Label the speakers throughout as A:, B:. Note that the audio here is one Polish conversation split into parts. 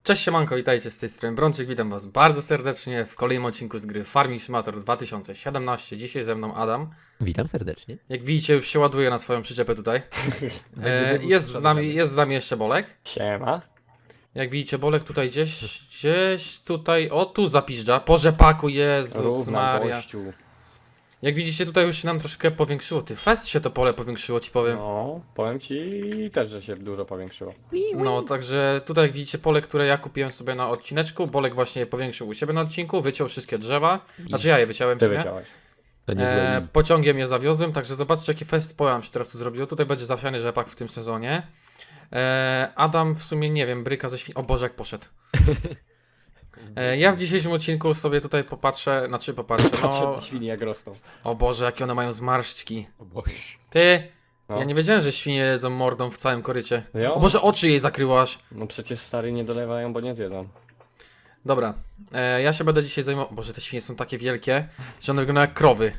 A: Cześć siemanko, witajcie z tej strony Brączyk, witam was bardzo serdecznie w kolejnym odcinku z gry Farming Simulator 2017. Dzisiaj ze mną Adam.
B: Witam serdecznie.
A: Jak widzicie, już się ładuje na swoją przyczepę tutaj. Jest z nami jeszcze Bolek.
C: Siema.
A: Jak widzicie, Bolek tutaj gdzieś tutaj, o tu zapiżdża, po rzepaku, Jezus
C: Równa
A: Maria.
C: gościu.
A: Jak widzicie, tutaj już się nam troszkę powiększyło, fest się to pole powiększyło, ci powiem.
C: No, powiem ci też, że się dużo powiększyło.
A: No, także tutaj jak widzicie pole, które ja kupiłem sobie na odcineczku, Bolek właśnie je powiększył u siebie na odcinku, wyciął wszystkie drzewa, znaczy ja je wyciąłem
C: Ty
A: sobie.
C: wyciąłeś.
B: To nie złe
A: Pociągiem je zawiozłem, także zobaczcie jaki fest pola nam się teraz tu zrobiło. Tutaj będzie zasiany rzepak w tym sezonie. Adam w sumie nie wiem, bryka ze świn... O Boże jak poszedł. Ja w dzisiejszym odcinku sobie tutaj popatrzę,
C: Patrzę
A: no...
C: na świnie jak rosną.
A: O Boże jakie one mają zmarszczki.
B: O Boże.
A: Ty!
C: No.
A: Ja nie wiedziałem, że świnie jedzą mordą w całym korycie.
C: Jo.
A: O Boże oczy jej zakryłaś.
C: No przecież stary nie dolewają, bo nie zjedzą.
A: Dobra, ja się będę dzisiaj zajmował... Boże, te świnie są takie wielkie, że one wyglądają jak krowy.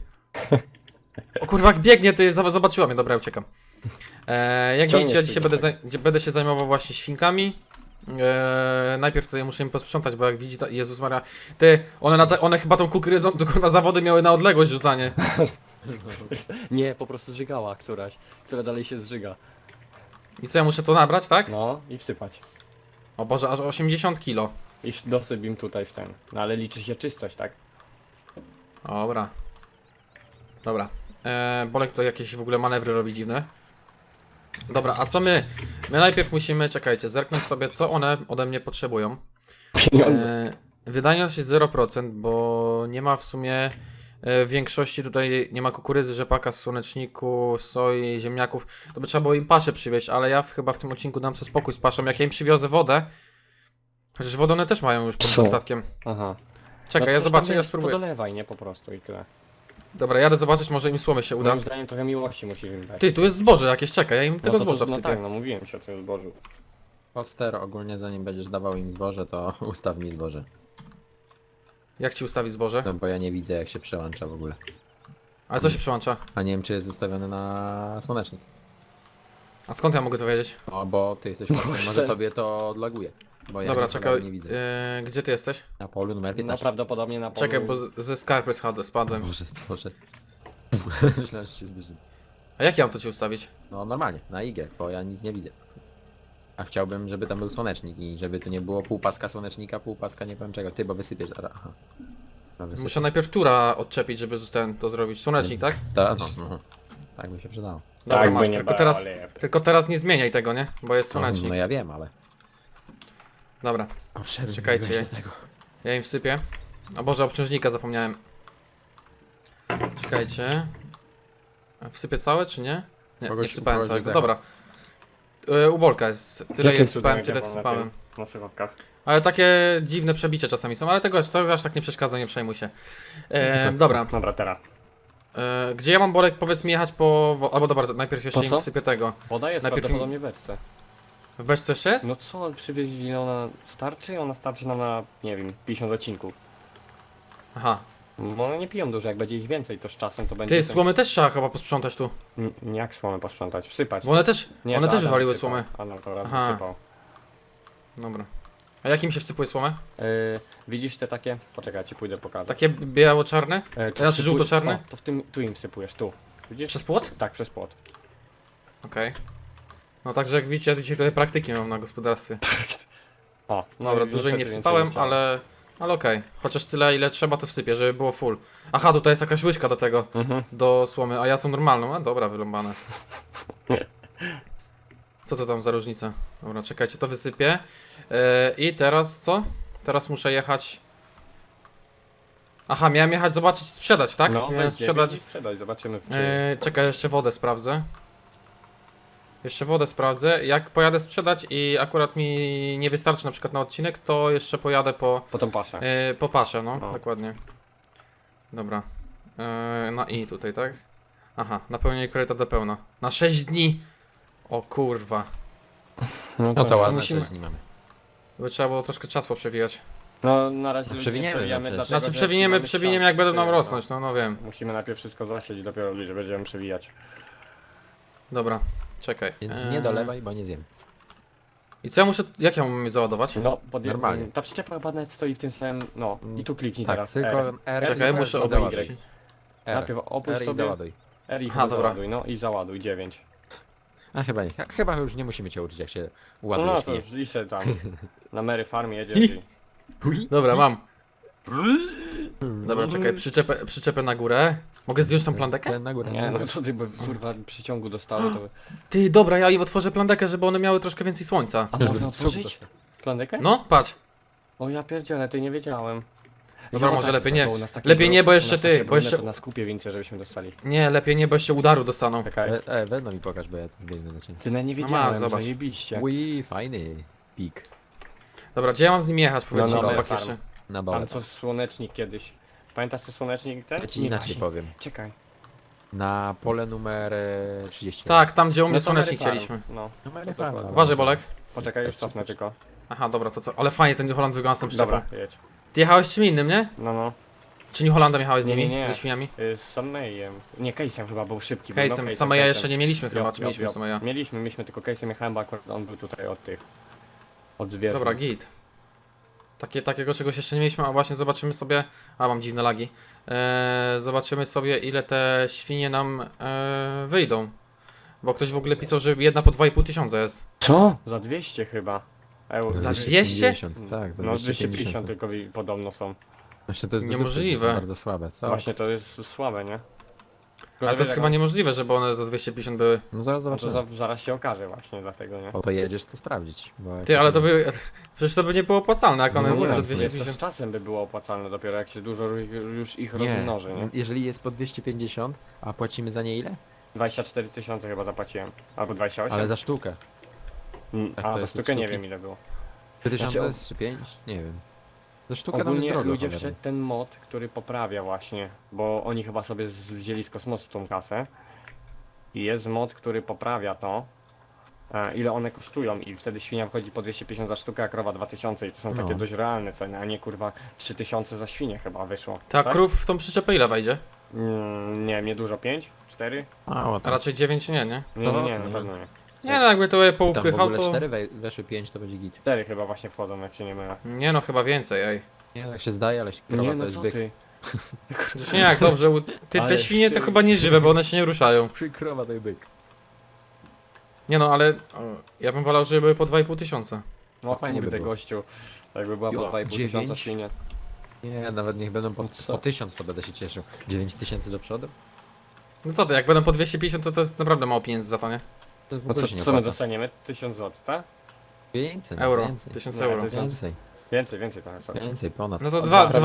A: O kurwa, jak biegnie, ty zobaczyła mnie, dobra, uciekam. Jak
C: Ciągnie
A: widzicie, ja
C: swój
A: dzisiaj będę się zajmował właśnie świnkami. Najpierw tutaj muszę im posprzątać, bo jak widzi, Jezus Maria, ty, one chyba tą kukurydzą, tylko na zawody miały na odległość rzucanie.
C: Nie, po prostu zżygała któraś, która dalej się zżyga.
A: I co, ja muszę to nabrać, tak?
C: No i wsypać.
A: O Boże, aż 80 kilo.
C: I dosyp im tutaj w ten. No ale liczy się czystość, tak?
A: Dobra. Dobra. Bolek to jakieś w ogóle manewry robi dziwne. Dobra, a co my? My najpierw musimy, czekajcie, zerknąć sobie, co one ode mnie potrzebują.
C: Pieniądze.
A: Wydajność jest 0%, bo nie ma w sumie w większości tutaj nie ma kukurydzy, rzepaka, słoneczniku, soi, ziemniaków. To by trzeba było im paszę przywieźć, ale ja chyba w tym odcinku dam sobie spokój z paszą. Jak ja im przywiozę wodę, chociaż wodę one też mają już pod
C: Są.
A: dostatkiem.
C: Aha.
A: Czekaj,
C: No
A: ja
C: coś
A: zobaczę,
C: tam
A: ja
C: wiesz,
A: spróbuję.
C: Podolewaj, nie po prostu i tyle.
A: Dobra, jadę zobaczyć, może im słomy się uda.
C: Moim zdaniem trochę miłości musisz im dać.
A: Ty, tu jest zboże jakieś, czekaj, ja im
C: no
A: tego
C: to,
A: zboża
C: no
A: wsypię.
C: tak, no mówiłem ci o tym zbożu.
B: Poster ogólnie zanim będziesz dawał im zboże, to ustaw mi zboże.
A: Jak ci ustawić zboże?
B: No bo ja nie widzę jak się przełącza w ogóle.
A: Ale co się przełącza?
B: A nie wiem czy jest ustawiony na słonecznik.
A: A skąd ja mogę to wiedzieć?
B: No bo ty jesteś poster, może tobie to odlaguje. Bo ja
A: Dobra,
B: nie,
A: czekaj,
B: nie widzę.
A: gdzie ty jesteś?
B: Na polu numer
C: No
B: 15.
C: prawdopodobnie na polu...
A: Czekaj, bo ze skarpy spadłem.
B: Boże. Myślałem, że się zderzy.
A: A jak ja mam to ci ustawić?
B: No normalnie, na IG, bo ja nic nie widzę. A chciałbym, żeby tam był słonecznik i żeby to nie było pół paska słonecznika, pół paska nie wiem czego. Ty, bo wysypiesz. Aha. No, wysypiesz.
A: Muszę najpierw tura odczepić, żeby to zrobić. Słonecznik, tak?
B: No. Tak by się przydało.
A: Dobra,
C: Tak,
A: masz,
C: by nie
A: tylko teraz nie zmieniaj tego, nie? Bo jest
B: No,
A: słonecznik.
B: no ja wiem, ale...
A: Dobra, czekajcie. Ja im wsypię. O Boże, obciążnika zapomniałem. Czekajcie. A wsypię całe, czy nie? Nie,
B: Kogoś-
A: nie wsypałem
B: kogoś
A: całego.
B: wyzecha.
A: Dobra. U Bolka jest. Tyle
C: Jakim
A: je wsypałem,
C: cudem
A: tyle
C: ja mam na
A: wsypałem.
C: tym- Na słuchawkach.
A: Ale takie dziwne przebicie czasami są, ale to aż tak nie przeszkadza, nie przejmuj się. Dobra.
C: Dobra, teraz.
A: Gdzie ja mam, Bolek, powiedz mi jechać po... Albo dobra, to najpierw jeszcze
C: Po
A: im
C: co?
A: wsypię tego.
C: Woda jest
A: Najpierw
C: prawdopodobnie w beczce.
A: W beczce jeszcze jest?
C: No co przywieźli, ona starczy? Ona starczy nam na, nie wiem, 50 odcinków.
A: Aha.
C: Bo one nie piją dużo, jak będzie ich więcej, to z czasem to będzie...
A: Ty, słomy też trzeba chyba posprzątać tu.
C: Jak słomę posprzątać? Wsypać.
A: Bo one też
C: Nie,
A: one
C: to
A: też
C: Adam
A: wywaliły
C: wsypał.
A: słomę.
C: Adam to raz
A: Aha.
C: wysypał.
A: Dobra. A jakim się wsypuje słomę?
C: Widzisz te takie? Poczekaj, ja ci pójdę pokażę.
A: Takie biało-czarne?
C: To
A: znaczy
C: wsypuj-
A: żółto-czarne?
C: O, to tu im wsypujesz, tu. Widzisz?
A: Przez płot?
C: Tak, przez płot.
A: Okej. No także jak widzicie, ja dzisiaj tutaj praktyki mam na gospodarstwie.
C: O, no
A: Dobra,
C: i
A: dużo nie
C: niestety
A: wsypałem,
C: więcej nie
A: ale okej. Chociaż tyle ile trzeba to wsypię, żeby było full. Aha, tutaj jest jakaś łyżka do tego,
C: trzeba. Mhm.
A: do słomy, a ja są normalną. A dobra, wyrąbane. Co to tam za różnica? Dobra, czekajcie, to wysypię. I teraz co? Teraz muszę jechać... Aha, miałem jechać zobaczyć, sprzedać, tak?
C: No,
A: Miałem
C: będzie,
A: sprzedać...
C: sprzedać, zobaczymy w
A: Czekaj, jeszcze wodę sprawdzę. Jeszcze wodę sprawdzę. Jak pojadę sprzedać i akurat mi nie wystarczy na przykład na odcinek, to jeszcze pojadę
C: po tą paszę.
A: po paszę, no,
C: No.
A: dokładnie. Dobra. Na i tutaj, tak? Aha, napełnienie koryta do pełna. Na 6 dni! O kurwa.
B: No to ładne
A: musimy-
B: też nie mamy.
A: To by trzeba było troszkę czas poprzewijać.
C: No na razie ludzi
B: przewiniemy,
C: nie przewijamy,
B: no przecież.
C: dlatego,
A: Znaczy
C: że mamy
A: przewiniemy
C: czas.
A: jak będą nam
C: Przewijamy,
A: rosnąć, no wiem.
C: Musimy najpierw wszystko zasieć i dopiero ludzie będziemy przewijać.
A: Dobra, czekaj.
B: Więc nie dolewaj, bo nie zjem.
A: I co ja muszę, jak ja mam je załadować?
C: No,
B: Normalnie.
C: ta przyczepa chyba nawet stoi w tym samym, no i tu kliknij
B: Tak,
C: teraz.
B: tylko
C: R.
B: R.
A: Czekaj,
B: i
A: muszę
B: Y.
A: obejrzeć.
C: Najpierw opuść
B: R i
C: sobie.
B: załaduj.
C: R i
A: Aha,
C: chyba
A: dobra.
C: załaduj, no i załaduj 9.
B: A chyba nie. Chyba już nie musimy cię uczyć jak się
C: No,
B: ładuje
C: to
B: świnie.
C: już liczę tam. Na Mary Farm jedziesz i...
A: Dobra, mam. Dobra, czekaj, przyczepę na górę. Mogę zdjąć tą plandekę?
B: Ten na górę.
C: Nie, no to ty by kurwa przyciągu dostały, to...
A: Ty, dobra, ja im otworzę plandekę, żeby one miały troszkę więcej słońca.
C: A można otworzyć? Plandekę?
A: No, patrz.
C: O ja pierdzielę, ty nie wiedziałem.
A: Dobra, może
C: tak,
A: lepiej
C: bo
A: nie.
C: u nas takie
A: Lepiej nie, bo
C: u
A: jeszcze
C: nas
A: ty,
C: takie
A: bo
C: brudne,
A: jeszcze...
C: to na skupie więcej, żebyśmy dostali.
A: Nie, lepiej nie, bo jeszcze udaru dostaną.
C: Czekaj.
B: Weź mi pokaż, bo ja tu biegnę na ciebie.
C: Ty nawet nie
A: No
C: wiedziałem,
A: zobacz.
C: zajebiście.
B: Ui, fajny. Pik.
A: Dobra, gdzie ja mam z nimi jechać? Powiedzcie
C: No,
A: mi,
C: no,
A: chłopak,
C: farm.
A: jeszcze.
B: Na dole.
C: Ale co słonecznik kiedyś. Pamiętasz co słonecznik ten?
B: Ja ci
C: Nie,
B: inaczej
C: właśnie.
B: powiem.
C: Czekaj.
B: Na pole numer 30.
A: Tak, tam gdzie u mnie
C: No to Mary
A: słonecznik
C: Farm.
A: chcieliśmy.
C: No,
B: Numer
C: dokładnie.
A: Uważaj, Bolek.
C: Poczekaj, już cofnę tylko.
A: Aha, dobra, to co? Ale fajnie ten New Holland wygląda z tą przyczepą.
C: Dobra, jedź.
A: Ty jechałeś czym innym, nie?
C: No, no.
A: Czy New Hollandem jechałeś z
C: Nie,
A: nimi?
C: nie, nie.
A: Ze świniami?
C: Z Samejem. Nie, Case'em chyba był szybki. był,
A: Case'em.
C: no,
A: Sameja
C: Case'em.
A: jeszcze nie mieliśmy chyba,
C: Jo,
A: czy
C: jo,
A: mieliśmy
C: jo.
A: Sameja?
C: Mieliśmy tylko Case'em jechałem, bo akurat on był tutaj od tych. Od zwierząt.
A: Dobra, git. Takiego czegoś jeszcze nie mieliśmy, a właśnie zobaczymy sobie... A, mam dziwne lagi. Zobaczymy sobie, ile te świnie nam wyjdą. Bo ktoś w ogóle pisał, że jedna po 2,5 tysiąca jest.
C: Co? Za 200 chyba. Euro.
A: Za
B: 250. Tak, za
C: No
B: 250.
C: 250 tylko podobno są.
B: Właśnie to jest do
A: Niemożliwe.
B: dupy, to są bardzo słabe, co?
C: Właśnie to jest słabe, nie?
A: Ale to jest chyba niemożliwe, żeby one za 250 były.
B: No zaraz
C: No to
B: zobaczymy.
C: zaraz się okaże właśnie dlatego, nie?
B: O to jedziesz to sprawdzić. Bo jak
A: Ty,
B: to
A: ale
B: się-
A: to by... Przecież to by nie było opłacalne, jak one
B: No
A: były
B: nie,
A: za
B: to jest
C: To
A: 250.
C: z czasem by było opłacalne dopiero jak się dużo już ich
B: Nie,
C: rozmnoży, nie?
B: jeżeli jest po 250, a płacimy za nie ile?
C: 24 tysiące chyba zapłaciłem. Albo 28.
B: Ale za sztukę. jak to
C: A, za
B: jest od
C: sztukę nie
B: sztuki?
C: wiem ile było.
B: 3000
C: Znaczy,
B: czy 5? Nie wiem. Za sztukę tam jest
C: Ogólnie
B: drogo.
C: ludzie
B: cholera.
C: wszedł ten mod, który poprawia właśnie, bo oni chyba sobie wzięli z kosmosu tą kasę. I jest mod, który poprawia to, ile one kosztują i wtedy świnia wchodzi po 250 za sztukę, a krowa 2000 i to są
B: No.
C: takie dość realne ceny, a nie kurwa 3000 za świnię chyba wyszło.
A: Ta krów w tą przyczepę ile wejdzie?
C: Nie wiem, nie dużo, 5? 4?
B: A,
A: A
B: ładnie.
A: raczej 9 nie, nie?
C: Nie,
B: No,
C: nie,
B: to
C: na pewno nie.
A: Nie no, jakby to je
B: Tam w
A: poupychał,
B: ogóle
A: to...
B: 4 weszły 5 to będzie git.
C: 4 chyba właśnie wchodzą, jak się nie mylę.
A: Nie no, chyba więcej, ej.
B: Nie, tak się zdaje, ale krowa
C: Nie
B: to
C: no
B: jest
C: co
B: byk.
C: ty?
A: Przecież nie jak dobrze, te
C: Ale
A: świnie to
C: ty-
A: chyba nie żywe, bo one się nie ruszają.
B: Krowa to jest byk.
A: Nie no, ale ja bym wolał, żeby były po 2,5 tysiąca.
C: No
B: fajnie by
C: kurde
B: było.
C: gościu. Jakby była po
B: Jo,
C: 2,5 tysiąca
B: 9?
C: świnia.
B: Nie, nawet niech będą
C: Co?
B: po 1000 to będę się cieszył. 9000 do przodu?
A: No co ty, jak będą po 250 to jest naprawdę mało pieniędzy za to, nie?
B: To w
C: No
B: ogóle
C: co,
B: się nie
C: co my
B: opłaca.
C: dostaniemy? 1000 zł, tak?
B: Więcej, no,
A: Euro,
B: więcej.
A: 1000
C: Nie,
A: euro.
C: to jest-
B: Więcej,
C: Więcej trochę sobie.
B: więcej, ponad.
A: No to
C: O,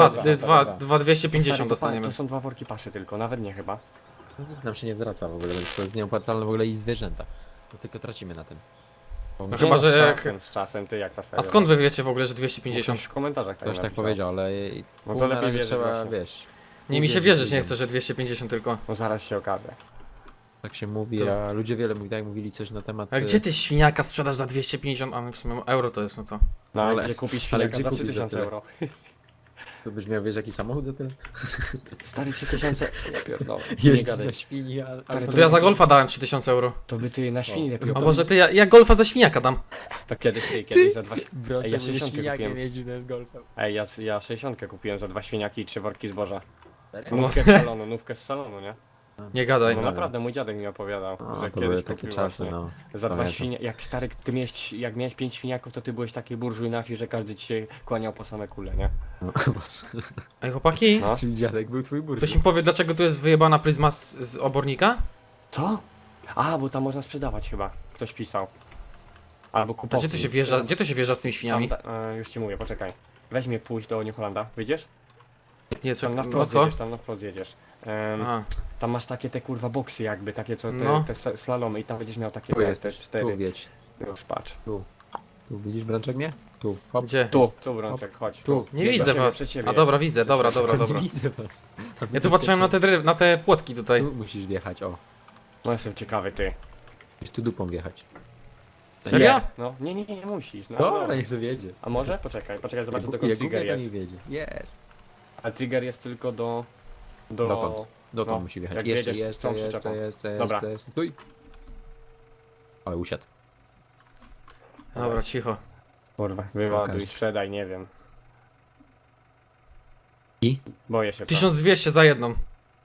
A: 2,250
C: Stary,
A: dostaniemy.
C: To są 2 worki paszy tylko, nawet nie chyba.
B: No nic nam się nie zwraca w ogóle, więc to jest nieopłacalne w ogóle i zwierzęta. To tylko tracimy na tym. Bo
A: No
B: my-
A: chyba,
C: Nie,
A: że
C: z
A: jak-
C: czasem, z czasem, ty jak ta seria.
A: A skąd wy wiecie w ogóle, że 250?
C: W komentarzach
B: Ktoś tak
C: napisał.
B: powiedział, ale
C: No
B: pół
C: to
B: na
C: lepiej
B: razie
C: wierzyć
B: trzeba,
C: właśnie.
B: wiesz,
A: Nie, mi się
B: wierzyć
A: wierzyć nie
B: ludziom.
A: chce, że 250 tylko.
C: No zaraz się okaże.
B: tak się mówi,
A: To-
B: a ludzie wiele tak mówili coś na temat...
A: A gdzie ty świniaka sprzedasz za 250? A w sumie euro to jest, no to...
C: No ale
B: Ale-
C: gdzie kupić
B: ale
C: świniaka
B: gdzie
C: za
B: kupić za
C: 3000
B: tyle?
C: euro?
B: To byś miał, wiesz, jaki samochód za tyle?
C: Stary 3000, ja pierdolę. Nie
B: Jeździć
C: gadaj.
B: na świni, a...
C: Stary,
A: No to ja za golfa dałem 3000 euro.
C: To by ty na świni lepiej
A: A może ty, ja golfa za świniaka dam.
C: To kiedyś za 2...
B: Brocia,
C: Ej, ja
B: ja
C: 60
B: świniakiem
C: kupiłem.
B: jeździł, to jest golfem.
C: Ej, ja 60 kupiłem za 2 świniaki i 3 worki zboża.
A: No.
C: Nówkę z salonu, nie?
A: Nie gadaj.
C: No naprawdę, mój dziadek mi opowiadał,
B: No,
C: że
B: to były
C: kiedyś
B: takie
C: kupił
B: czasy,
C: właśnie.
B: no.
C: Za 2
B: Pamiętam.
C: świnie, jak stary, jak miałeś 5 świniaków, to ty byłeś taki burżuj na wsi, że każdy ci się kłaniał po same kule, nie?
B: No,
A: Ej chłopaki,
C: No.
B: czyli dziadek był twój burz.
A: ktoś mi powie, dlaczego tu jest wyjebana pryzma z obornika?
C: Co? A, bo tam można sprzedawać chyba, ktoś pisał. Albo
A: A
C: kupować.
A: gdzie to się wjeżdża z tymi świniami?
C: Już ci mówię, poczekaj. Weź mnie pójść do New Hollanda, wyjdziesz?
A: Nie,
C: Tam na
A: no
C: wprost
A: co?
C: jedziesz, tam na wprost jedziesz.
A: A,
C: Tam masz takie te kurwa boksy jakby, takie co te,
A: No.
C: te slalomy i tam będziesz miał takie
B: Tu
C: te
B: jesteś, tu
C: 4.
B: wiedź.
C: Już patrz.
B: Tu widzisz Brączek mnie? Tu, hop.
A: gdzie?
C: Tu Brączek, chodź.
B: Tu.
A: Nie
C: Biegł
A: widzę
C: do ciebie,
A: was.
C: przed ciebie.
A: A dobra, widzę, dobra.
B: Nie widzę was.
A: Ja tu patrzyłem na te płotki tutaj.
B: Tu musisz wjechać, o.
C: No jestem ciekawy ty.
B: Musisz tu dupą wjechać.
A: Serio?
C: Nie, no, nie musisz. No,
B: Dobra,
C: no.
B: niech sobie jedzie.
C: A może? Poczekaj, zobaczę dokąd
B: Jak
C: trigger
B: gubię, to
C: jest.
B: nie wiedzie. Jest.
C: A trigger jest tylko do...
B: Dokąd? Dokąd
C: no,
B: musi wjechać?
C: jak
B: Jeszcze,
C: jedziesz z tą przyczepą.
B: jeszcze.
C: Dobra.
B: Stój. Ale usiadł.
A: Dobra, cicho.
C: Kurwa, wyładuj,
B: Okej.
C: sprzedaj, nie wiem.
B: I?
C: Boję się.
A: 1200 za jedną.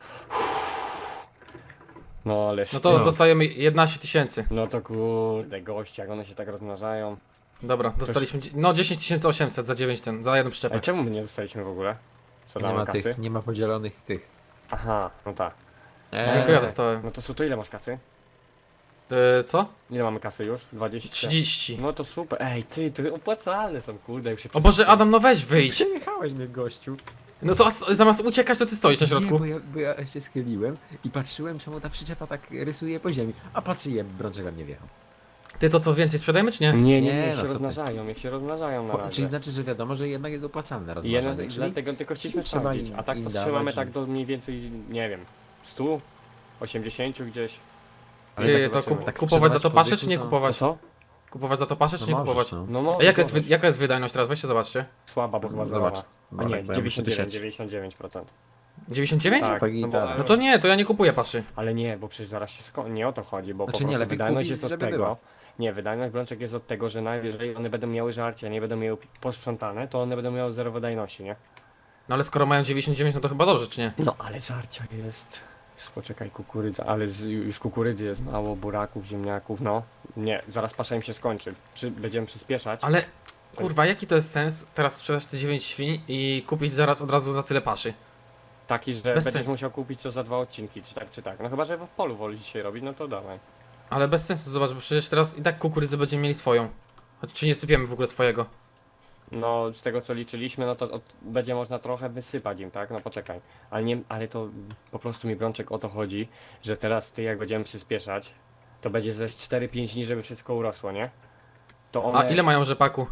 C: No ale
A: No to
B: No.
A: dostajemy 11 tysięcy.
C: No to kurde, goście, jak one się tak rozmnażają.
A: Dobra, dostaliśmy, no 10 800 za 9 za jedną
C: Ej,
A: przyczepę.
C: czemu my nie dostaliśmy w ogóle? Co
B: Nie
C: damy
B: ma
C: kasy?
B: tych, nie ma podzielonych tych.
C: Aha, no tak.
A: Tylko ja dostałem.
C: No to Suto, ile masz kasy?
A: Co?
C: Ile mamy kasy już? 20?
A: 30.
C: No to super. Ej, ty opłacalne są, kurde, już się
A: O Boże, Adam, no weź wyjdź.
B: Przejechałeś mnie, gościu.
A: No to zamiast uciekać, to ty stoisz na
B: Nie,
A: środku.
B: bo ja się schyliłem i patrzyłem, czemu ta przyczepa tak rysuje po ziemi. A patrzę, brączek we mnie wjechał.
A: Ty to co, więcej sprzedajemy czy nie?
C: Nie,
B: Nie,
C: niech
B: no
C: się
B: co ty.
C: rozmnażają, niech się rozmnażają na razie.
B: Czyli znaczy, że wiadomo, że jednak jest opłacalne
C: I
B: rozmawianie,
C: jeden,
B: czyli
C: dlatego tylko chcieliśmy
B: trzeba
C: sprawdzić,
B: im-
C: a tak
B: im
C: to
B: dawać
C: trzymamy
B: i-
C: tak do mniej więcej, nie wiem, 100? 80 gdzieś?
A: Ty,
C: tak
A: to
C: zobaczymy.
B: tak
A: kupować za to
B: sprzedawać
A: paszę
B: po
A: czy nie
B: dychu, to-
A: kupować?
C: Co?
A: Kupować za to paszę czy
B: no
A: nie
B: możesz,
A: kupować?
B: no.
C: No
A: A jaka jest,
C: możesz.
A: jaka jest wydajność teraz? Weźcie zobaczcie.
C: Słaba, bo chyba
B: Zobacz.
C: zobacz. A
B: Bolek,
C: nie,
B: bo ja muszę
C: 99,
B: tysiąc.
C: 99%.
A: 99?
C: Tak,
B: Pagi,
C: no, bo,
B: tak.
A: No to nie, to ja nie kupuję paszy.
C: ale nie, bo przecież zaraz się nie o to chodzi, bo
B: Znaczy
C: po
B: nie,
C: prostu
B: lepiej
C: wydajność
B: kupić,
C: jest od
B: żeby
C: tego.
B: była.
C: Nie, wydajność brączek jest od tego, że najwyżej one będą miały żarcie, a nie będą miały posprzątane, to one będą miały zero wydajności, nie?
A: No ale skoro mają 99, no to chyba dobrze, czy nie?
C: No ale żarcia jest. Poczekaj, kukurydza, ale już kukurydzy jest mało, buraków, ziemniaków, no. Nie, zaraz pasza im się skończy. Będziemy przyspieszać.
A: Ale kurwa, jaki to jest sens teraz sprzedać te 9 świń i kupić zaraz od razu za tyle paszy?
C: Taki, że
A: Bez
C: będziesz
A: sensu.
C: musiał kupić to za 2 odcinki, czy tak. No chyba, że w polu woli dzisiaj robić, no to dawaj.
A: Ale bez sensu, zobacz, bo przecież teraz i tak kukurydzy będziemy mieli swoją. Czy nie sypiemy w ogóle swojego?
C: No z tego co liczyliśmy, no to będzie można trochę wysypać im, tak? No poczekaj. Ale nie, ale to po prostu mi brączek o to chodzi, że teraz ty jak będziemy przyspieszać, to będzie ze 4-5 dni, żeby wszystko urosło, nie? To one,
A: A ile mają rzepaku?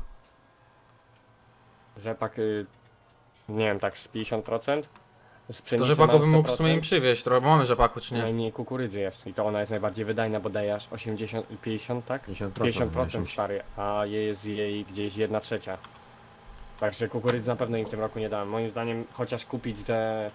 C: rzepak, nie wiem, tak z 50%? Z
A: To
C: pszenicy
A: rzepaku
C: mają
A: bym mógł w sumie im
C: 100%.
A: przywieźć, trochę, bo mamy rzepaku, czy nie?
C: Najmniej kukurydzy jest i to ona jest najbardziej wydajna, bo daje aż 80, 50, tak? 50% stary, a jest jej gdzieś 1/3. Także kukurydzy na pewno im w tym roku nie dałem. Moim zdaniem chociaż kupić ze...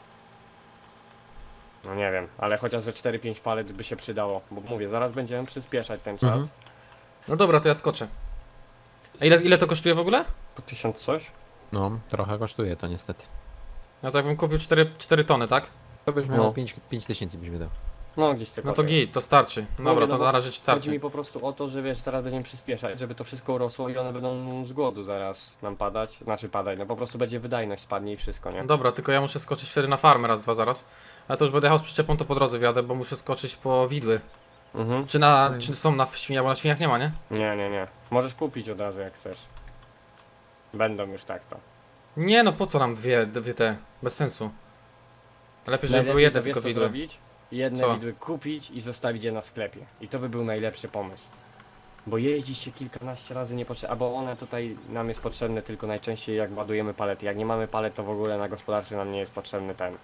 C: No nie wiem, ale chociaż ze 4-5 palet by się przydało. Bo mówię, zaraz będziemy przyspieszać ten czas.
B: Mhm.
A: No dobra, to ja skoczę. A ile to kosztuje w ogóle?
C: Po 1000 coś?
B: No, trochę kosztuje to niestety.
A: No to jakbym kupił 4 tony, tak?
B: To byś
C: No.
B: miał 5 tysięcy byś wydał.
C: No gdzieś tylko.
A: No to
C: tyle.
A: git, to starczy. Dobra,
C: Mówię,
A: to
C: no bo
A: na razie
C: Chodzi
A: starczy.
C: mi po prostu o to, że wiesz, zaraz będziemy przyspieszać, żeby to wszystko urosło i one będą z głodu zaraz nam padać. Znaczy padać, no po prostu będzie wydajność spadnie i wszystko, nie?
A: Dobra, tylko ja muszę skoczyć wtedy na farmę raz, dwa zaraz. Ale to już będę jechał z przyczepą, to po drodze wjadę, bo muszę skoczyć po widły.
C: Mhm.
A: Czy są na świniach, bo na świniach nie ma, nie?
C: Nie. Możesz kupić od razu jak chcesz. Będą już tak to.
A: Nie no, po co nam dwie te? Bez sensu. Lepiej, żeby były
C: Najlepiej
A: jedne
C: to
A: tylko
C: wiesz, co
A: widły.
C: zrobić? Jedne
A: Co?
C: widły kupić i zostawić je na sklepie. I to by był najlepszy pomysł. Bo jeździć się kilkanaście razy nie potrzeba, bo one tutaj nam jest potrzebne tylko najczęściej jak ładujemy palety. Jak nie mamy palet, to w ogóle na gospodarce nam nie jest potrzebny ten.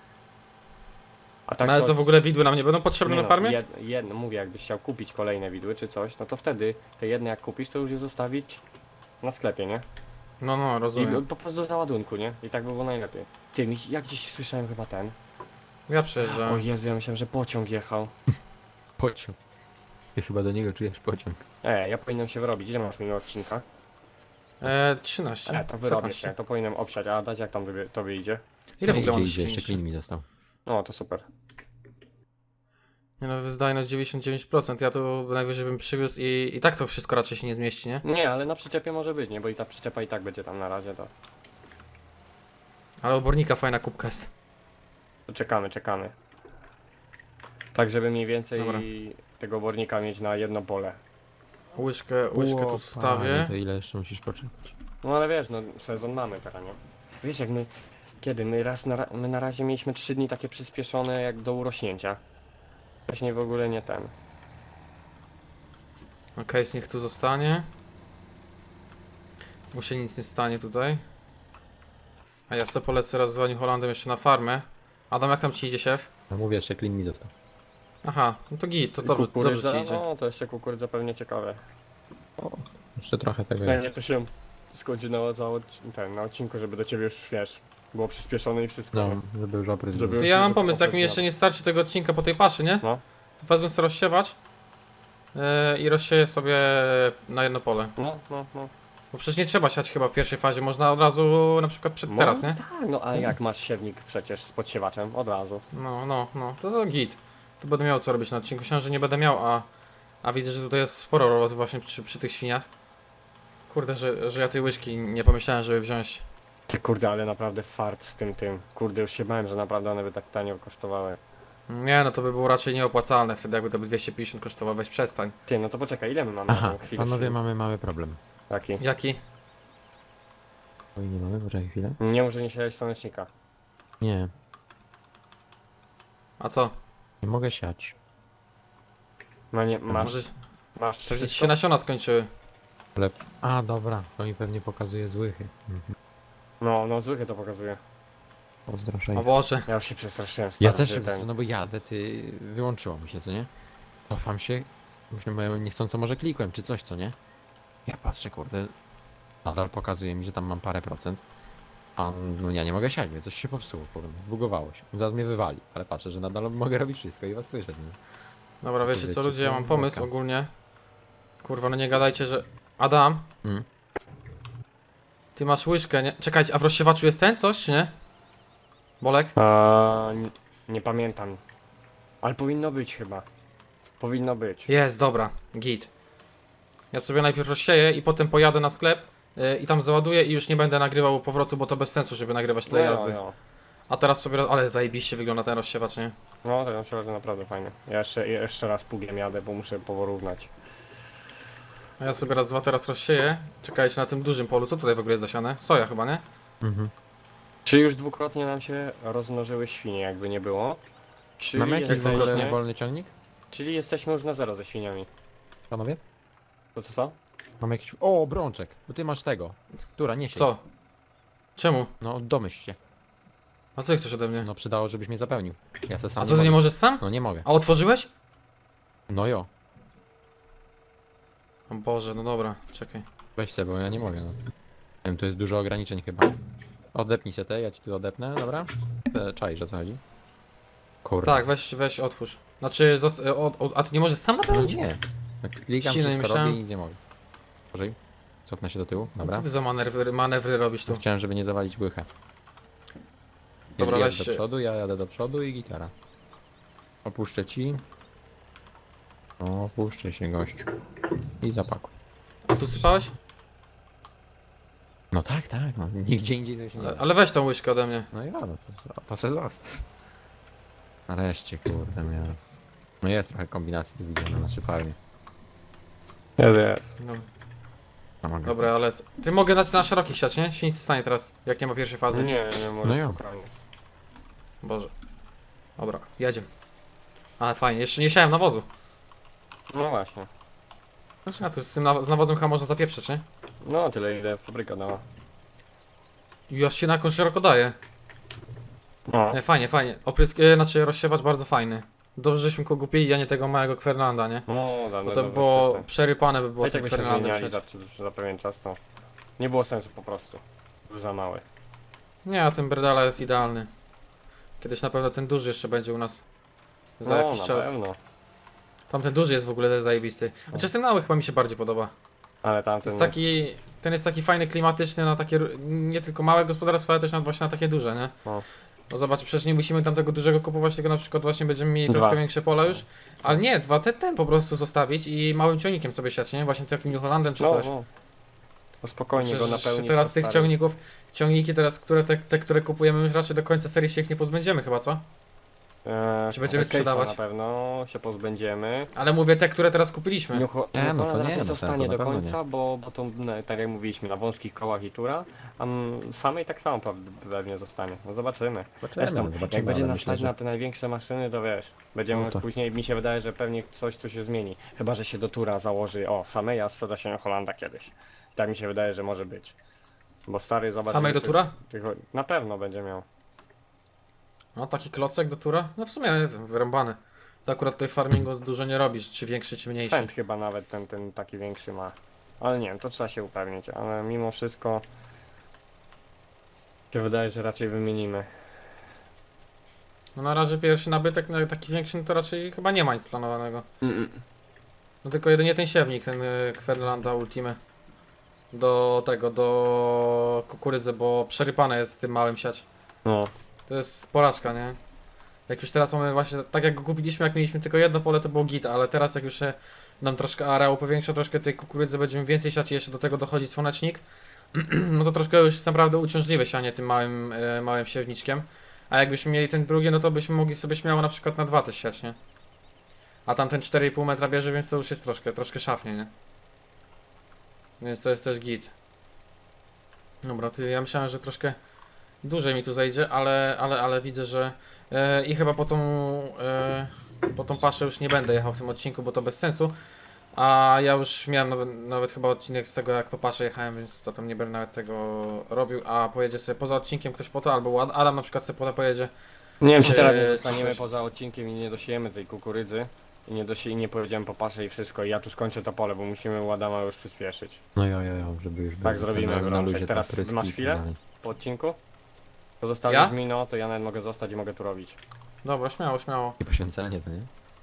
C: A tak
A: No ale
C: to-
A: co, w ogóle widły nam nie będą potrzebne
C: nie
A: na farmie?
C: Jedno, mówię, jakbyś chciał kupić kolejne widły czy coś, no to wtedy te jedne jak kupisz, to już je zostawić na sklepie, nie?
A: No,
C: I
A: rozumiem.
C: po prostu do załadunku, nie? I tak by było najlepiej. Ty, jak gdzieś słyszałem chyba ten.
A: Ja przejeżdżam.
C: O Jezu, ja myślałem, że pociąg jechał.
B: Pociąg. Ty chyba do niego czujesz pociąg.
C: Ja powinienem się wyrobić. Ile masz minut odcinka?
A: 13.
C: To wyrobię
A: 14.
C: się, to powinienem obsiać, a dać jak tam to wyjdzie.
A: Ile w ogóle mam
B: idzie,
A: świń?
B: jeszcze klin mi dostał.
C: No to super.
A: Nie no, wydajność 99%, ja to najwyżej bym przywiózł i tak to wszystko raczej się nie zmieści, nie?
C: Nie, ale na przyczepie może być, nie? Bo i ta przyczepa i tak będzie tam na razie, to
A: Ale obornika fajna kubka jest.
C: czekamy. Tak, żeby mniej więcej
A: Dobra.
C: tego obornika mieć na jedno pole.
A: Łyżkę tu zostawię.
B: To ile jeszcze musisz poczekać?
C: No ale wiesz, no sezon mamy teraz, nie? Wiesz jak my... Kiedy? My na razie mieliśmy 3 dni takie przyspieszone jak do urośnięcia. Wcześniej w ogóle nie ten.
A: Okej, niech tu zostanie. Mu się nic nie stanie tutaj. A ja sobie polecę raz z Waniu Holandem jeszcze na farmę. Adam, jak tam ci idzie siew?
B: No mówię, jeszcze klin mi dostał.
A: Aha, no to git, to dobrze
C: Kukurydza,
A: ci idzie.
C: no to jeszcze kukurydza pewnie ciekawe.
B: Jeszcze trochę tego jest.
C: Pewnie to się skończy na odcinku, żeby do ciebie już, wiesz, było przyspieszone i wszystko.
B: No, żeby już oprys
C: Żeby-
B: był.
A: To ja mam pomysł, jak mi jeszcze nie starczy tego odcinka po tej paszy, nie?
C: No.
A: To wezmę sobie rozsiewać. i rozsieję sobie na jedno pole.
C: No.
A: Bo przecież nie trzeba siać chyba w pierwszej fazie, można od razu na przykład teraz, nie?
C: Tak, no a jak masz siewnik przecież z podsiewaciem, od razu.
A: No, to git. To będę miał co robić na odcinku. Myślałem, że nie będę miał, a widzę, że tutaj jest sporo roboty właśnie przy tych świniach. Kurde, że ja tej łyżki nie pomyślałem, żeby wziąć.
C: Ty kurde, ale naprawdę fart z tym. Kurde, już się bałem, że naprawdę one by tak tanio kosztowały.
A: Nie, no to by było raczej nieopłacalne wtedy, jakby to by 250 kosztowało, weź przestań.
C: Ty, no to poczekaj, ile my mamy na
B: Aha,
C: tą chwilę?
B: panowie,
C: siły?
B: mamy mały problem.
C: Taki.
A: Jaki?
B: Oj, nie mamy, poczekaj chwilę.
C: Nie może nie siać słonecznika.
B: Nie,
A: A co?
B: nie mogę siać.
C: No nie,
A: Może
C: masz
A: pewnie ci
C: wszystko?
A: się nasiona skończyły.
B: Ale... A, dobra, to mi pewnie pokazuje złychy.
C: No zwykle to pokazuje.
B: Pozdro
A: O
B: 6.
A: Boże.
C: Ja już się przestraszyłem. stary,
B: Ja też
C: że
B: się
C: ten-
B: wystraszyłem, no bo jadę, ty... Wyłączyło mi się, co nie? Cofam się, myślę, bo ja niechcąco może klikłem, czy coś, co nie? Ja patrzę, kurde, nadal pokazuje mi, że tam mam parę procent. A no ja nie mogę siać, więc coś się popsuło, kurde, zbugowało się. Zaraz mnie wywali, ale patrzę, że nadal mogę robić wszystko i was słyszeć. Nie?
A: Dobra, wiecie co
B: Wiecie
A: ludzie, ja
B: co?
A: mam pomysł
B: Worka.
A: ogólnie. Kurwa, no nie gadajcie, że... Adam,
B: Mm.
A: ty masz łyżkę, nie? Czekajcie, a w rozsiewaczu jest ten coś, czy nie? Bolek?
C: nie pamiętam. Ale powinno być chyba. Powinno być.
A: Jest, dobra, git. Ja sobie najpierw rozsieję i potem pojadę na sklep i tam załaduję i już nie będę nagrywał powrotu, bo to bez sensu, żeby nagrywać tyle jazdy. A teraz sobie... Ale zajebiście wygląda ten rozsiewacz, nie?
C: No to się naprawdę fajnie. Ja jeszcze raz pługiem jadę, bo muszę porównać.
A: A ja sobie raz, dwa teraz rozsieję. Czekajcie na tym dużym polu. Co tutaj w ogóle jest zasiane? Soja chyba, nie?
B: Mhm.
C: Czy już dwukrotnie nam się rozmnożyły świnie, jakby nie było?
B: Mamy jakiś w ogóle
C: jesteśmy,
B: wolny ciągnik,
C: czyli jesteśmy już na zero ze świniami.
B: panowie?
C: To co?
B: Mamy jakiś... O, brączek, bo ty masz tego. Która, nie siej.
A: Co? Czemu?
B: No, domyśl się.
A: A co chcesz ode mnie?
B: No, przydało, żebyś mnie zapełnił. Ja se sam
A: A co, ty nie
B: mogę.
A: możesz sam?
B: No, nie mogę.
A: A otworzyłeś?
B: No jo,
A: O Boże, no dobra, czekaj.
B: weź se, bo ja nie mogę, no. Nie wiem, tu jest dużo ograniczeń chyba. Odepnij se te, ja ci tu odepnę, dobra? Czaisz, o co chodzi? Kurde.
A: Tak, weź otwórz. Znaczy, a ty nie możesz sam
B: No
A: napełnić?
B: nie. Tak klikam,
A: Ściny,
B: wszystko
A: myślałem-
B: robię i nic nie mogę. Użyj. Cofnę się do tyłu, dobra.
A: Co ty za manewry robisz tu?
B: Chciałem, żeby nie zawalić łychę.
A: Dobra,
B: Jedź
A: weź
B: do
A: się.
B: przodu, ja jadę do przodu i gitara. Opuszczę ci. Opuszczę się, gościu. I zapakuj.
A: A tu sypałeś?
B: No tak, tak, no. Nigdzie indziej to się nie da.
A: Ale weź tą łyżkę ode mnie.
B: No ja, no to se zostaw. Nareszcie, kurde, miałem. No jest trochę kombinacji, tu widzę na naszej farmie.
C: Jest.
A: No,
B: No, mogę
A: dobra, ale... Ty mogę na szerokich siać, nie? Się nic nie stanie teraz, jak nie ma pierwszej fazy.
C: Nie może
B: No ja.
C: spokojnie.
A: Boże. Dobra, jedziemy. Ale fajnie, jeszcze nie siałem nawozu.
C: No właśnie.
A: A tu z tym z nawozem chyba można zapieprzeć, nie?
C: No tyle ile fabryka dała.
A: I aż się na jakąś szeroko daje.
C: No.
A: Fajnie, fajnie. Znaczy rozsiewacz bardzo fajny. Dobrze, żeśmy go kupili, a nie tego małego Fernanda, nie?
C: No
A: Bo
C: dawno
A: to było przerypane by było
C: tak
A: tym
C: by się
A: Fernandem
C: zmieniali
A: przecież.
C: za pewien czas to nie było sensu po prostu. Był za mały.
A: Nie, a ten Berdala jest idealny. Kiedyś na pewno ten duży jeszcze będzie u nas. Za
C: No
A: jakiś
C: na
A: czas.
C: pewno.
A: Tamten duży jest w ogóle też zajebisty. Chociaż ten mały chyba mi się bardziej podoba.
C: Ale
A: To
C: tamten
A: jest taki... Ten jest taki fajny, klimatyczny na takie... Nie tylko małe gospodarstwa, ale też właśnie na takie duże, nie?
C: No.
A: No zobacz, przecież nie musimy tam tego dużego kupować, tylko na przykład właśnie będziemy mieli
C: Dwa.
A: troszkę większe pola już. Ale nie, ten po prostu zostawić i małym ciągnikiem sobie siać, nie? Właśnie takim New Hollandem czy
C: No,
A: coś.
C: no. No spokojnie go
A: Przecież
C: napełnić.
A: teraz
C: to
A: tych
C: stary.
A: ciągników, ciągniki teraz, które kupujemy już raczej do końca serii się ich nie pozbędziemy chyba, co? Czy będziemy
C: Case'a
A: sprzedawać?
C: Na pewno się pozbędziemy.
A: Ale mówię te, które teraz kupiliśmy.
C: New
B: no to nie,
C: raczej
B: no to
C: zostanie
B: na
C: do
B: pewno
C: końca, bo to no, tak jak mówiliśmy, na wąskich kołach i tura, a samej tak samo pewnie zostanie. No zobaczymy. Zresztą, jak będzie
B: ale
C: nas
B: myślę,
C: stać
B: że...
C: na te największe maszyny, to wiesz, będziemy
B: No to-
C: później, mi się wydaje, że pewnie coś tu się zmieni. Chyba, że się do tura założy, samej, a sprzeda się Hollanda kiedyś. Tak mi się wydaje, że może być. Bo stary, zobacz...
A: Samej do
C: ty-
A: tura?
C: Na pewno będzie miał.
A: No taki klocek do tura? No w sumie wyrąbany. To akurat tutaj farmingu dużo nie robisz, czy większy, czy mniejszy.
C: Pęd chyba nawet ten taki większy ma. Ale nie wiem, to trzeba się upewnić, ale mimo wszystko się wydaje, że raczej wymienimy.
A: No na razie pierwszy nabytek, no, taki większy, no to raczej chyba nie ma nic planowanego. No tylko jedynie ten siewnik, ten Kverlanda Ultime. Do tego, do kukurydzy, bo przerypane jest tym małym siać.
C: No.
A: To jest porażka, nie? Jak już teraz mamy właśnie, tak jak go kupiliśmy, jak mieliśmy tylko jedno pole, to było git, ale teraz jak już się nam troszkę areał powiększa, troszkę tej kukurydzy będziemy więcej siać i jeszcze do tego dochodzi słonecznik, no to troszkę już jest naprawdę uciążliwe sianie tym małym siewniczkiem. A jakbyśmy mieli ten drugi, no to byśmy mogli sobie śmiało na przykład na 2 też siać, nie? A tam ten 4,5 metra bierze, więc to już jest troszkę szafnie, nie? Więc to jest też git. Dobra, ja myślałem, że troszkę dłużej mi tu zajdzie, ale widzę, że i chyba po tą paszę już nie będę jechał w tym odcinku, bo to bez sensu. A ja już miałem nawet chyba odcinek z tego, jak po paszę jechałem, więc to tam nie będę nawet tego robił. A pojedzie sobie poza odcinkiem ktoś po to, albo Adam na przykład sobie pojedzie.
C: Nie wiem, czy teraz
A: Czy
C: zostaniemy
A: coś?
C: poza odcinkiem i nie dosiejemy tej kukurydzy. I nie pojedziemy po paszę i wszystko. I ja tu skończę to pole, bo musimy u Adama już przyspieszyć.
B: No jo, żeby już
C: Tak zrobimy,
B: na
C: Brączek.
B: luzie te
C: Teraz
B: pryski
C: masz
B: i tak
C: chwilę?
B: dalej.
C: Po odcinku? To zostawisz
A: Ja?
C: mi, no to ja nawet mogę zostać i mogę tu robić.
A: Dobra, śmiało.
B: I poświęcenie, to nie?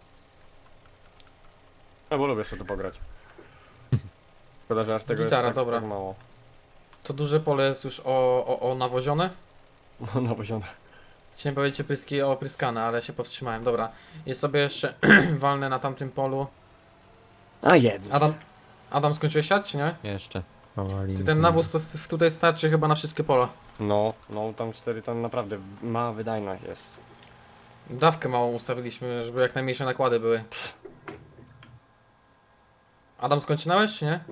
C: No bo lubię sobie tu pograć. Szkoda, że aż tego
A: Gitara,
C: jest tak,
A: dobra.
C: tak mało.
A: To duże pole jest już nawozione.
C: No poziom.
A: Chciałem powiedzieć pryski opryskane, ale się powstrzymałem. Dobra, i sobie jeszcze walnę na tamtym polu.
C: A jedno.
A: Adam skończyłeś siać, czy nie?
B: Jeszcze. Powoli.
A: Ty ten nawóz to tutaj starczy chyba na wszystkie pola.
C: No, tam 4 ton naprawdę mała wydajność jest.
A: Dawkę małą ustawiliśmy, żeby jak najmniejsze nakłady były. Adam skończynałeś, czy nie?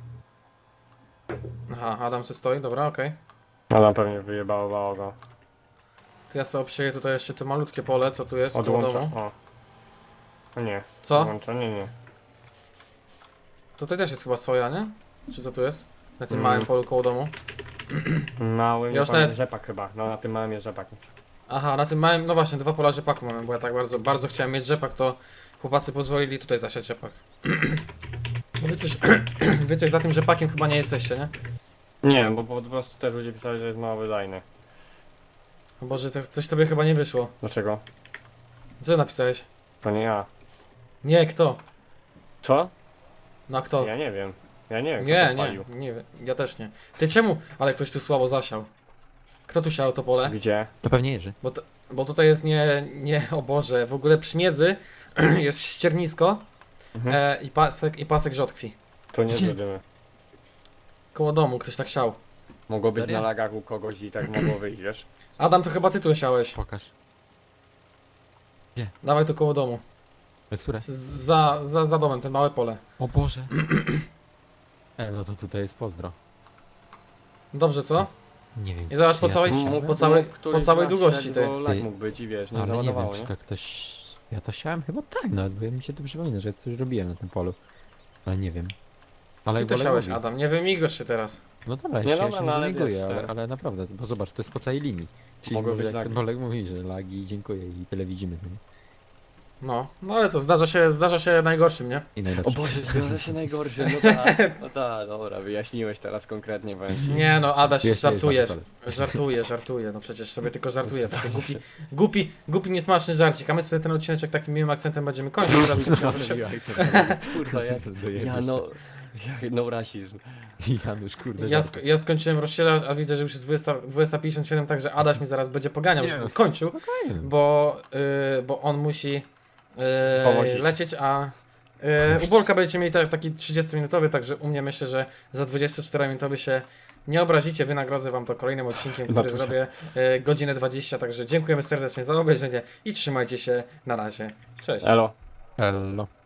A: Aha, Adam se stoi, dobra, okej.
C: Adam pewnie wyjebało go.
A: To ja sobie obsieję tutaj jeszcze to malutkie pole, co tu jest koło
C: Odłącza.
A: domu.
C: O. No nie.
A: Co?
C: Odłącza, nie.
A: Tutaj też jest chyba soja, nie? Czy co tu jest? Na tym
C: Mm.
A: małym polu koło domu.
C: Mały,
A: Ja
C: nie
A: już
C: pamiętam,
A: nawet-
C: rzepak chyba. No na tym małym jest rzepak.
A: Aha, na tym małym, no właśnie, 2 pola rzepaku mamy, bo ja tak bardzo chciałem mieć rzepak, to chłopacy pozwolili tutaj zasiać rzepak. Wy coś za tym rzepakiem chyba nie jesteście, nie?
C: Nie, bo po prostu też ludzie pisali, że jest mało wydajny.
A: O Boże, coś tobie chyba nie wyszło.
C: Dlaczego?
A: Co napisałeś?
C: To nie ja.
A: Nie, kto?
C: Co?
A: No a kto?
C: Ja nie wiem. Ja nie wiem, kto
A: Nie,
C: to palił.
A: nie, ja też nie. Ty czemu? Ale ktoś tu słabo zasiał. Kto tu siał to pole?
C: Gdzie?
B: To pewnie Jerzy.
A: Bo tutaj jest o Boże, w ogóle przy miedzy jest ściernisko
C: Mhm.
A: i pasek rzodkwi.
C: To nie
B: Gdzie?
C: zrobimy.
A: Koło domu ktoś tak siał.
C: Mogło być
B: Serio?
C: na lagach u kogoś i tak mogło wyjść, wiesz?
A: Adam, to chyba ty tu siałeś.
B: Pokaż.
A: Dawaj tu koło domu.
B: Które?
A: Za domem, ten małe pole.
B: O Boże. No to tutaj jest pozdro.
A: Dobrze, co?
B: Nie wiem.
A: I zobacz,
B: czy
A: po
B: ja
A: całej-
B: to
A: po
B: siałem?
A: całej-
C: któryś
A: po całej
C: z nas
A: długości
C: szedł,
A: tej.
C: bo lag
B: Ty-
C: mógł być i wiesz, nie
B: Ale nie wiem,
C: załadowało,
B: czy
C: nie?
B: to ktoś... Ja to siałem chyba tak, nawet bo mi się tu przypomina, że coś robiłem na tym polu. Ale nie wiem. Ale
A: Ty to
B: Bolek
A: siałeś,
B: mówi.
A: Adam, nie wymigasz się teraz.
B: No dobra,
C: Nie,
B: ja
C: dobra,
B: się
C: no
B: nie
C: ale
B: neguję,
C: wiesz, tak.
B: ale naprawdę, bo zobacz, to jest po całej linii. Czyli
C: Mogły
B: może
C: być
B: jak ten
C: lagi.
B: Bolek mówi, że lagi, dziękuję i tyle widzimy, co nie?
A: No ale to zdarza się najgorszym, nie?
B: I najlepsze.
C: O Boże, zdarza się najgorsze, no tak, dobra, wyjaśniłeś teraz konkretnie, powiem ci.
A: Nie no, Adaś
B: Jest,
A: żartuje.
B: jest,
A: Żartuje, no przecież sobie tylko żartuje. Taki głupi, niesmaczny żarcik, a my sobie ten odcineczek takim miłym akcentem będziemy kończyć. Teraz
C: Kurwa, no rasizm.
B: Janusz, kurde,
A: ja skończyłem rozsierać, a widzę, że już jest 20:57, także Adaś mi zaraz będzie poganiał,
B: Nie.
A: żeby kończył, bo on musi
C: Powozić.
A: lecieć, a u Bolka będziecie mieli taki 30-minutowy, także u mnie myślę, że za 24-minutowy się nie obrazicie, wynagrodzę wam to kolejnym odcinkiem, który
C: Dobrze.
A: zrobię godzinę 20, także dziękujemy serdecznie za obejrzenie i trzymajcie się, na razie, cześć.
C: Elo.
B: Hello.